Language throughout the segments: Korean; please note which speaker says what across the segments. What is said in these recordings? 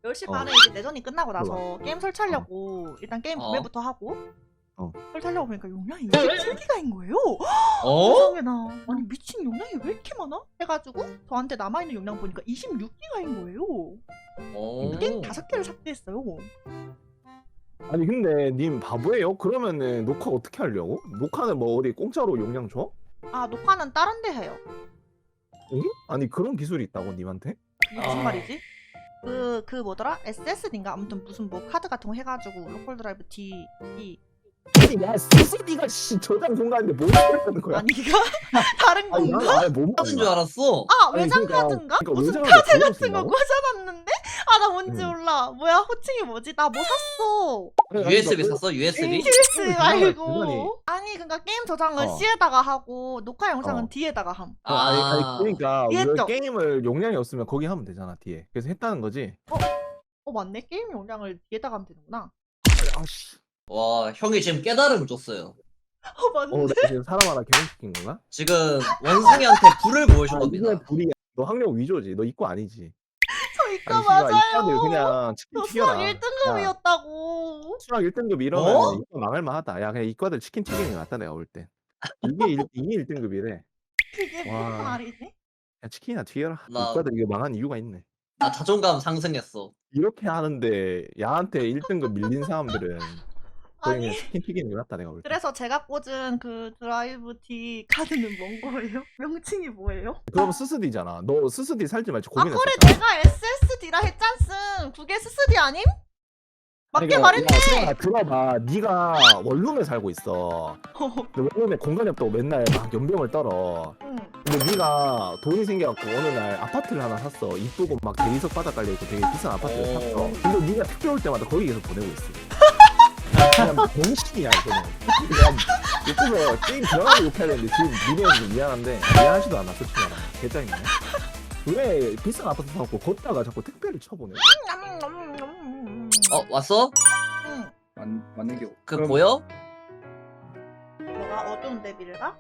Speaker 1: 10시
Speaker 2: 어.
Speaker 1: 반에 이제 내전이 끝나고
Speaker 2: 들어봐.
Speaker 1: 나서 게임 설치하려고 일단 게임
Speaker 3: 어.
Speaker 1: 구매부터 하고
Speaker 2: 어.
Speaker 1: 설치하려고 보니까 용량이 27기가인 거예요.
Speaker 3: 어?
Speaker 1: 세상에나. 아니 미친 용량이 왜 이렇게 많아? 해가지고 저한테 남아있는 용량 보니까 26기가인 거예요.
Speaker 3: 어.
Speaker 1: 게임 5개를 삭제했어요.
Speaker 2: 아니 근데 님 바보예요? 그러면은 녹화 어떻게 하려고? 녹화는 뭐 어디 공짜로 용량 줘?
Speaker 1: 아 녹화는 다른 데 해요.
Speaker 2: 응? 아니 그런 기술이 있다고 님한테?
Speaker 1: 이게 무슨
Speaker 3: 아.
Speaker 1: 말이지? 그 뭐더라? SSD인가? 아무튼 무슨 뭐 카드 같은 거 해가지고 로컬 드라이브 D
Speaker 2: 아니 야 CCD가 씨 저장 공간인데 뭘 하는 거야?
Speaker 1: 아니 이거 다른
Speaker 2: 아니
Speaker 1: 건가?
Speaker 2: 난 아예 못
Speaker 3: 하는 줄 알았어.
Speaker 1: 아
Speaker 2: 아니,
Speaker 1: 외장
Speaker 2: 그러니까-
Speaker 1: 카드인가?
Speaker 2: 그러니까
Speaker 1: 무슨
Speaker 2: 외장을
Speaker 1: 카드
Speaker 2: 그걸로
Speaker 1: 같은 거
Speaker 2: 쓴다고?
Speaker 1: 꽂아놨는데? 아 나 뭔지
Speaker 2: 응.
Speaker 1: 몰라. 뭐야 호칭이 뭐지? 나 뭐 샀어.
Speaker 3: USB 샀어? USB?
Speaker 1: TS
Speaker 2: 게임을
Speaker 1: 말고.
Speaker 2: 중간에
Speaker 1: 아니 그러니까 게임 저장은
Speaker 2: 어.
Speaker 1: C에다가 하고 녹화 영상은
Speaker 2: 어.
Speaker 1: D에다가 함.
Speaker 2: 아니 그러니까
Speaker 1: 이해했죠?
Speaker 2: 왜 게임을 용량이 없으면 거기 하면 되잖아 뒤에. 그래서 했다는 거지.
Speaker 1: 어 맞네. 게임 용량을 D에다가 하면 되는구나.
Speaker 2: 아씨.
Speaker 3: 와, 형이 지금 깨달음을 줬어요.
Speaker 1: 어 맞네.
Speaker 2: 나 지금 사람 하나 개명시킨 건가?
Speaker 3: 지금 원숭이한테 불을 보여준 겁니다.
Speaker 2: 이게 불이야. 너 학력 위조지. 너 이과 아니지.
Speaker 1: 저 이거
Speaker 2: 아니, 씨발, 이과들
Speaker 1: 맞아요.
Speaker 2: 그냥 치킨
Speaker 1: 저 수학
Speaker 2: 튀겨라.
Speaker 1: 1등급이었다고.
Speaker 2: 수학 1등급 이러면
Speaker 3: 어?
Speaker 2: 이과 망할 만하다. 야 그냥 이과들 치킨 튀기는 게 낫다 내가 볼 때. 이게 1등급이래.
Speaker 1: 그게 무슨
Speaker 2: 와.
Speaker 1: 말이지?
Speaker 2: 야 치킨이나 튀겨라.
Speaker 3: 나-
Speaker 2: 이과들 이거 망한 이유가 있네.
Speaker 3: 나 자존감 상승했어.
Speaker 2: 이렇게 하는데 야한테 1등급 밀린 사람들은 거의
Speaker 1: 아니
Speaker 2: 그냥 치킨 튀기는 게 낫다 내가 볼 때.
Speaker 1: 그래서 제가 꽂은 그 드라이브 D 카드는 뭔 거예요? 명칭이 뭐예요?
Speaker 2: 그럼 스스디잖아. 너 스스디 살지 말지
Speaker 1: 아
Speaker 2: 고민했어.
Speaker 1: 그래 내가 SSD라 했잖슨. 그게 SSD 아님? 맞게 말했네.
Speaker 2: 들어봐. 네가 원룸에 살고 있어. 근데 원룸에 공간이 없다고 맨날 막 연병을 떨어.
Speaker 1: 응.
Speaker 2: 근데 네가 돈이 생겨갖고 어느 날 아파트를 하나 샀어. 이쁘고 막 대리석 바닥 깔려있고 되게 비싼 아파트를 샀어. 근데 네가 택배 올 때마다 거기 계속 보내고 있어. 그냥 병신이야 이거는. 그냥 옆에서 게임 들어가고 욕해야 되는데 지금 니네한테 좀 미안한데 미안하지도 않아 솔직히 말하면. 개짜증나. 왜 비싼 아파트 사갖고 걷다가 자꾸 택배를 쳐보내?
Speaker 3: 왔어?
Speaker 1: 응.
Speaker 4: 맞는 게.
Speaker 3: 그 보여?
Speaker 1: 뭐가 어두운 데빌가?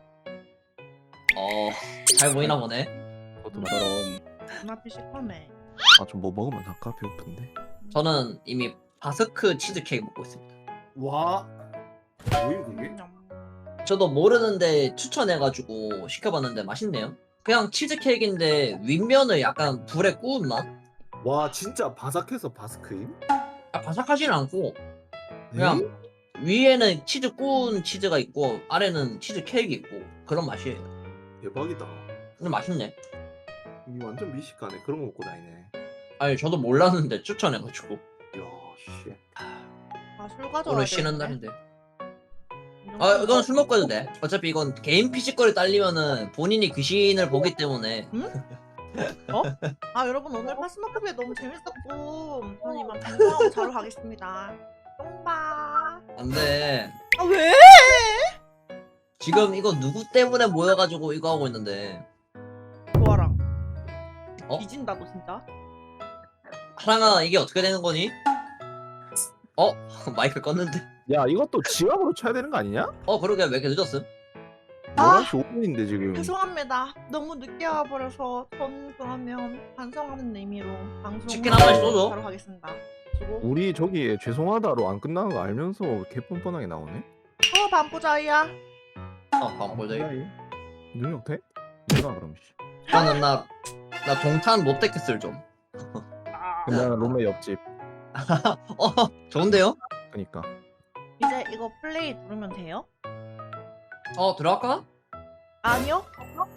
Speaker 3: 잘 보이나 보네.
Speaker 2: 저도
Speaker 4: 저런.
Speaker 1: 눈앞이 시커매.
Speaker 2: 아좀 뭐 먹으면 살까? 배고픈데.
Speaker 3: 저는 이미 바스크 치즈케이크 먹고 있습니다.
Speaker 4: 와. 뭐임 그게?
Speaker 3: 저도 모르는데 추천해가지고 시켜봤는데 맛있네요. 그냥 치즈케이크인데 윗면을 약간 불에 구운 맛?
Speaker 4: 와 진짜 바삭해서 바스크임?
Speaker 3: 바삭하지는 않고 그냥 위에는 치즈 구운 치즈가 있고 아래는 치즈 케이크 있고 그런 맛이에요.
Speaker 4: 대박이다.
Speaker 3: 근데 맛있네.
Speaker 4: 이 완전 미식가네. 그런 거 먹고 다니네.
Speaker 3: 아니 저도 몰랐는데 추천해가지고.
Speaker 4: 이야 씨.
Speaker 1: 아술 가져와야
Speaker 3: 오늘 쉬는
Speaker 1: 되는데.
Speaker 3: 날인데. 이건 술 먹고 해도 돼. 어차피 이건 개인 피지컬이 딸리면은 본인이 귀신을 보기 때문에.
Speaker 1: 아 여러분 오늘 파스모크비에 너무 재밌었고 전 이만 방송하고 자러 가겠습니다. 똥바.
Speaker 3: 안 돼.
Speaker 1: 아 왜?
Speaker 3: 지금 이거 누구 때문에 모여가지고 이거 하고 있는데.
Speaker 1: 좋아랑.
Speaker 3: 어?
Speaker 1: 뒤진다 너 진짜.
Speaker 3: 하랑아 이게 어떻게 되는 거니? 마이크 껐는데.
Speaker 2: 야 이것도 지압으로 쳐야 되는 거 아니냐?
Speaker 3: 그러게 왜 이렇게 늦었음?
Speaker 1: 아!
Speaker 2: 11시 5분인데 지금.
Speaker 1: 죄송합니다. 너무 늦게 와버려서 전 그러면 반성하는 의미로 방송
Speaker 3: 치킨 한 마리 쏘죠.
Speaker 1: 바로 가겠습니다. 수고.
Speaker 2: 우리 저기 죄송하다로 안 끝나는 거 알면서 개 뻔뻔하게 나오네.
Speaker 1: 반부자이야.
Speaker 3: 방보자.
Speaker 2: 능력 돼? 내가 그럼 씨.
Speaker 3: 저는 나 동탄 롯데캐슬 좀.
Speaker 2: 근데 나는 롬메 옆집.
Speaker 3: 좋은데요?
Speaker 2: 그니까.
Speaker 1: 이제 이거 플레이 누르면 돼요?
Speaker 3: 들어갈까?
Speaker 1: 아니요.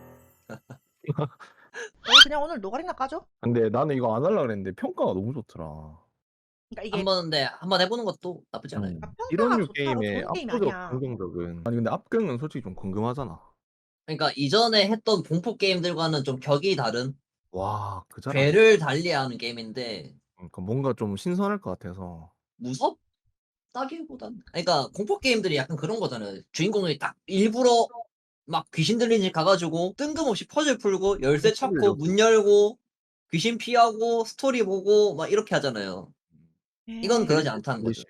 Speaker 1: 저희 그냥 오늘 노가리나 까죠?
Speaker 2: 근데 나는 이거 안 하려고 그랬는데 평가가 너무 좋더라.
Speaker 1: 그러니까 이게
Speaker 3: 한번 해보는 것도 나쁘지 않아요.
Speaker 2: 음.
Speaker 1: 평가가
Speaker 2: 이런 류
Speaker 1: 좋다고
Speaker 2: 게임의
Speaker 1: 좋은 게임이
Speaker 2: 압도적
Speaker 1: 아니야.
Speaker 2: 긍정적은 아니 근데 압경은 솔직히 좀 궁금하잖아.
Speaker 3: 그러니까 이전에 했던 공포 게임들과는 좀 격이 다른
Speaker 2: 와 그잖아.
Speaker 3: 괴를 달리하는 게임인데
Speaker 2: 그러니까 뭔가 좀 신선할 것 같아서.
Speaker 3: 무섭다기보단 그러니까 공포 게임들이 약간 그런 거잖아요. 주인공이 딱 일부러 막 귀신 들린 집 가가지고 뜬금없이 퍼즐 풀고 열쇠 찾고 문 열고 귀신 피하고 스토리 보고 막 이렇게 하잖아요. 이건 그러지 않다는 거죠.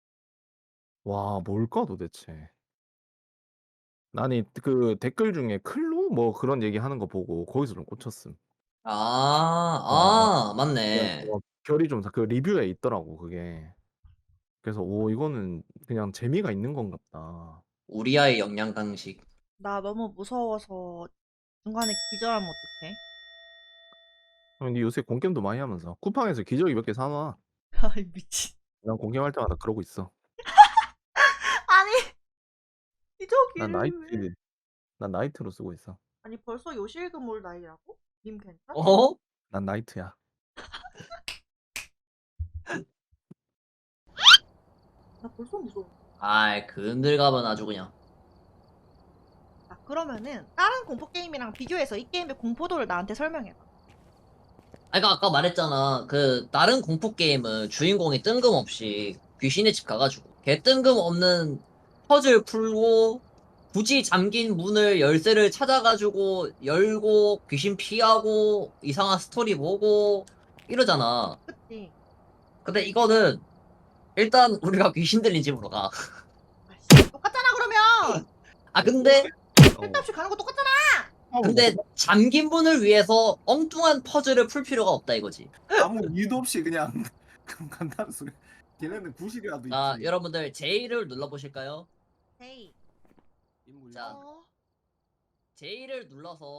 Speaker 2: 와 뭘까 도대체. 나는 그 댓글 중에 클로 뭐 그런 얘기 하는 거 보고 거기서 좀 꽂혔음.
Speaker 3: 맞네.
Speaker 2: 그냥 결이 좀 그 리뷰에 있더라고 그게. 그래서 오 이거는 그냥 재미가 있는 건가 보다.
Speaker 3: 우리 아이 영양 강식.
Speaker 1: 나 너무 무서워서 중간에 기절하면 어떡해?
Speaker 2: 근데 요새 공겜도 많이 하면서 쿠팡에서 기저귀 몇 개 사놔.
Speaker 1: 아이 미친.
Speaker 2: 난 공겜할 때마다 그러고 있어.
Speaker 1: 아니
Speaker 2: 난
Speaker 1: 기저귀를 왜?
Speaker 2: 나이트 난 나이트로 쓰고 있어.
Speaker 1: 아니 벌써 요실금올 나이라고? 님 괜찮?
Speaker 3: 어?
Speaker 2: 난 나이트야.
Speaker 1: 나 벌써 무서워.
Speaker 3: 아이 그늘 가면 아주 그냥.
Speaker 1: 자 그러면은 다른 공포 게임이랑 비교해서 이 게임의 공포도를 나한테 설명해봐.
Speaker 3: 그러니까 아까 말했잖아. 그 다른 공포 게임은 주인공이 뜬금없이 귀신의 집 가가지고 개 뜬금없는 퍼즐 풀고 굳이 잠긴 문을 열쇠를 찾아가지고 열고 귀신 피하고 이상한 스토리 보고 이러잖아.
Speaker 1: 그치?
Speaker 3: 근데 이거는 일단 우리가 귀신 들린 집으로 가.
Speaker 1: 아씨 똑같잖아 그러면.
Speaker 3: 아 근데
Speaker 1: 쓸데없이 가는 거 똑같잖아.
Speaker 3: 근데 잠긴 문을 위해서 엉뚱한 퍼즐을 풀 필요가 없다 이거지.
Speaker 4: 아무 이유도 없이 그냥 간다는 소리. 걔네는 구실이라도
Speaker 3: 자
Speaker 4: 있지.
Speaker 3: 여러분들 J를 눌러보실까요?
Speaker 1: 헤이.
Speaker 4: 인물
Speaker 3: 자.
Speaker 1: 어.
Speaker 3: J를 눌러서